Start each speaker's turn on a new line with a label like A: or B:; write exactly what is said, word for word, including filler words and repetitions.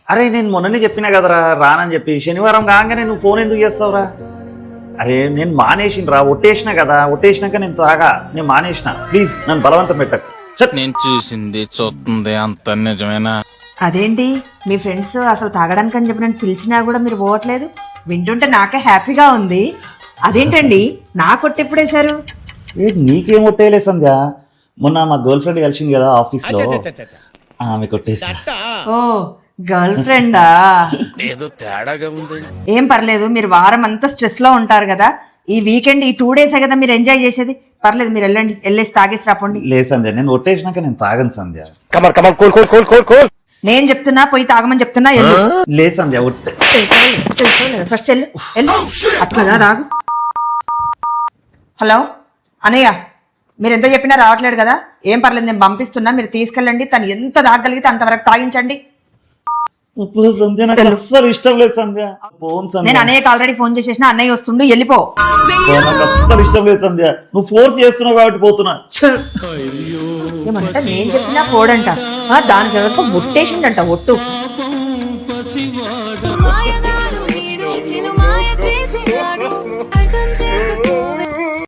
A: అరే నేను మొన్ననే చెప్పినా కదరా రానని చెప్పి, శనివారం కాగానే నువ్వు ఫోన్ ఎందుకు చేస్తావురా? అరే నేను మానేసినరా, ఒట్టేసిన కదా, ఒట్టేసినాక నేను తాగా, నేను మానేసిన. ప్లీజ్ నన్ను బలవంతం పెట్టకు.
B: నేను చూసింది చూస్తుంది అంత నిజమేనా?
C: అదేంటి మీ ఫ్రెండ్స్ అసలు తాగడానికి అని చెప్పి నేను పిలిచినా కూడా మీరు పోవట్లేదు? వింటుంటే నాకే హ్యాపీగా ఉంది. అదేంటండి నా కొట్టెప్పుడేశారు?
A: ఏ నీకేం ఒట్టేయలే సంధ్య, మొన్న మా గర్ల్ ఫ్రెండ్ కలిసింది కదా ఆఫీస్లో, ఆమె కొట్టేసా.
C: ఓ గర్ల్ ఫ్రెండా?
B: ఏదో తేడాగా ఉంది.
C: ఏం పర్లేదు, మీరు వారం అంతా స్ట్రెస్ లో ఉంటారు కదా, ఈ వీకెండ్ ఈ టూ డేసే కదా మీరు ఎంజాయ్ చేసేది. పర్లేదు మీరు వెళ్ళండి, వెళ్ళేసి తాగేసి రాపోండి.
A: లేదు సంధ్య, నేను ఒట్టేసినాక నేను తాగను సంధ్య.
C: నేను చెప్తున్నా పోయి తాగమని చెప్తున్నా. వెళ్ళు.
A: లేదు సంధ్య, ఒట్టే
C: ఫస్ట్ వెళ్ళు వెళ్ళు, అట్లాగా తాగు. హలో అనయ్య, మీరు ఎంత చెప్పినా రావట్లేదు కదా, ఏం పర్లేదు నేను పంపిస్తున్నా, మీరు తీసుకెళ్ళండి. తను ఎంత తాగగలిగితే అంతవరకు తాగించండి.
A: సంధ్య నాకు అస్సలు ఇష్టం లేదు సంధ్య. ఫోన్ సంధ్య,
C: నేను అన్నయ్యకి ఆల్రెడీ ఫోన్ చేసేసిన, అన్నయ్య వస్తుండు, వెళ్ళిపో.
A: నాకు అస్సలు ఇష్టం లేదు సంధ్య, నువ్వు ఫోర్స్ చేస్తున్నావు కాబట్టి పోతున్నా.
C: ఏమంట నేను చెప్పినా పోడంట, దానికి ఎవరికో ఒట్టేసిండంట ఒట్టు.